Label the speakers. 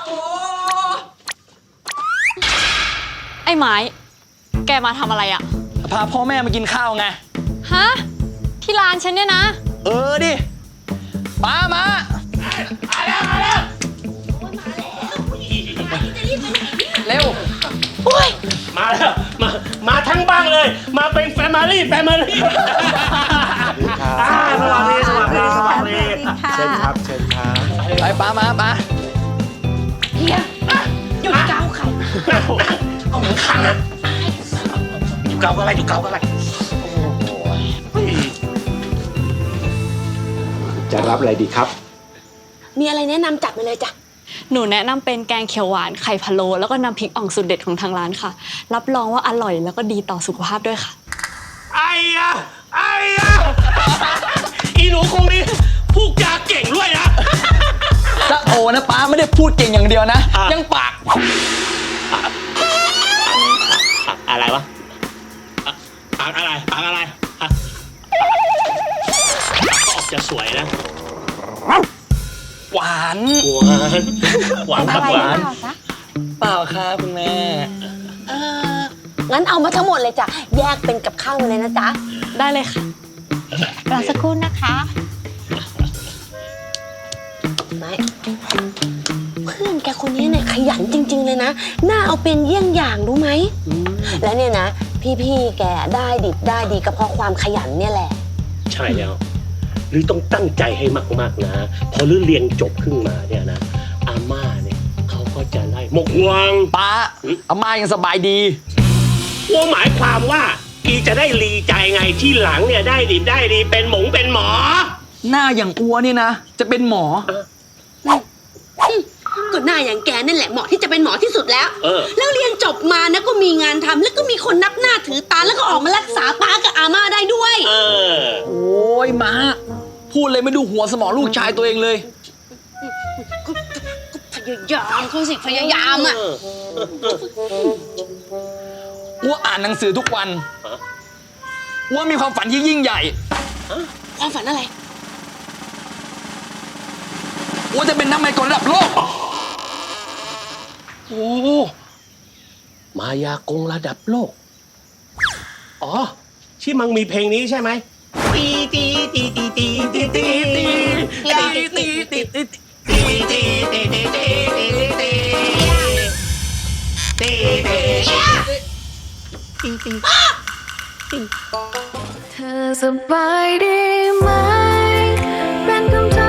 Speaker 1: ไอ้ไม้แกมาทำอะไรอ่ะ
Speaker 2: พาพ่อแม่มากินข้าวไง
Speaker 1: ฮะที่ร้านฉันเนี่ยนะ
Speaker 2: ดิป้ามาเร็ว
Speaker 3: มาแล้วมาทั้งบ้านเลยมาเป็นแฟมิลี่สวัสดี
Speaker 4: เชิญครับ
Speaker 2: ไปป้ามาป้า
Speaker 5: เฮียหยุดเกาไข่
Speaker 3: เอาเหมือนขังเลยอยู่เกาอะไร
Speaker 4: จะรับอะไรดีครับ
Speaker 5: มีอะไรแนะนำจัดมาเลยจ้ะ
Speaker 1: หนูแนะนำเป็นแกงเขียวหวานไข่พะโล้แล้วก็น้ำพริกอ่องสุดเด็ดของทางร้านค่ะรับรองว่าอร่อยแล้วก็ดีต่อสุขภาพด้วยค่ะ
Speaker 3: ไอ้ยะอีหนูคงนี้พูดจาเก่งด้วยนะ
Speaker 2: ถ้าโอนะป้าไม่ได้พูดเก่งอย่างเดียวนะยังปาก
Speaker 3: อะไรวะปากอะไรก็ออกจะสวยนะ
Speaker 2: หวาน
Speaker 3: ครับหวาน
Speaker 2: เปล่าครับคุณแม่
Speaker 5: งั้นเอามาทั้งหมดเลยจ้ะแยกเป็นกับข้าวมาเลยนะจ๊ะ
Speaker 1: ได้เลยค่ะ
Speaker 5: รอสักครู่นะคะไม่เพื่อนแกคนนี้เนี่ยขยันจริงๆเลยนะน่าเอาเป็นเยี่ยงอย่างรู้ไหมและเนี่ยนะพี่แกได้ดิบได้ดีก็เพราะความขยันเนี่ยแหละ
Speaker 3: ใช่แล้วหรือต้องตั้งใจให้มากๆนะพอเรียนจบขึ้นมาเนี่ยนะอาม่าเนี่ยเขาก็จะได้หมกห่วง
Speaker 2: ป้าอาม่ายังสบายดี
Speaker 3: ว่าหมายความว่าอีจะได้รีใจไงที่หลังเนี่ยได้ดิบได้ดีเป็นหมอ
Speaker 2: หน้าอย่างอัวนี่นะจะเป็นหมอ
Speaker 5: ก็หน้าอย่างแกนั่นแหละเหมาะที่จะเป็นหมอที่สุดแล้วแล้วเรียนจบมานะก็มีงานทำแล้วก็มีคนนับหน้าถือตาแล้วก็ออกมารักษาป้ากับอาม่าได้ด้วย
Speaker 2: โอ้ยมาพูดเลยไม่ดูหัวสมองลูกชายตัวเองเลย
Speaker 5: ก็พยายามเขาสิพยายามอ่ะ
Speaker 2: อัวอ่านหนังสือทุกวันอัวมีความฝันที่ยิ่งใหญ่
Speaker 5: ความฝันอะไร
Speaker 2: อัวจะเป็นนักมายากลระดับโลก
Speaker 3: โอ้มายากลระดับโลกอ๋อที่มังมีเพลงนี้ใช่ไหมตี
Speaker 6: เธอสบายดีไหมเป็นคำถาม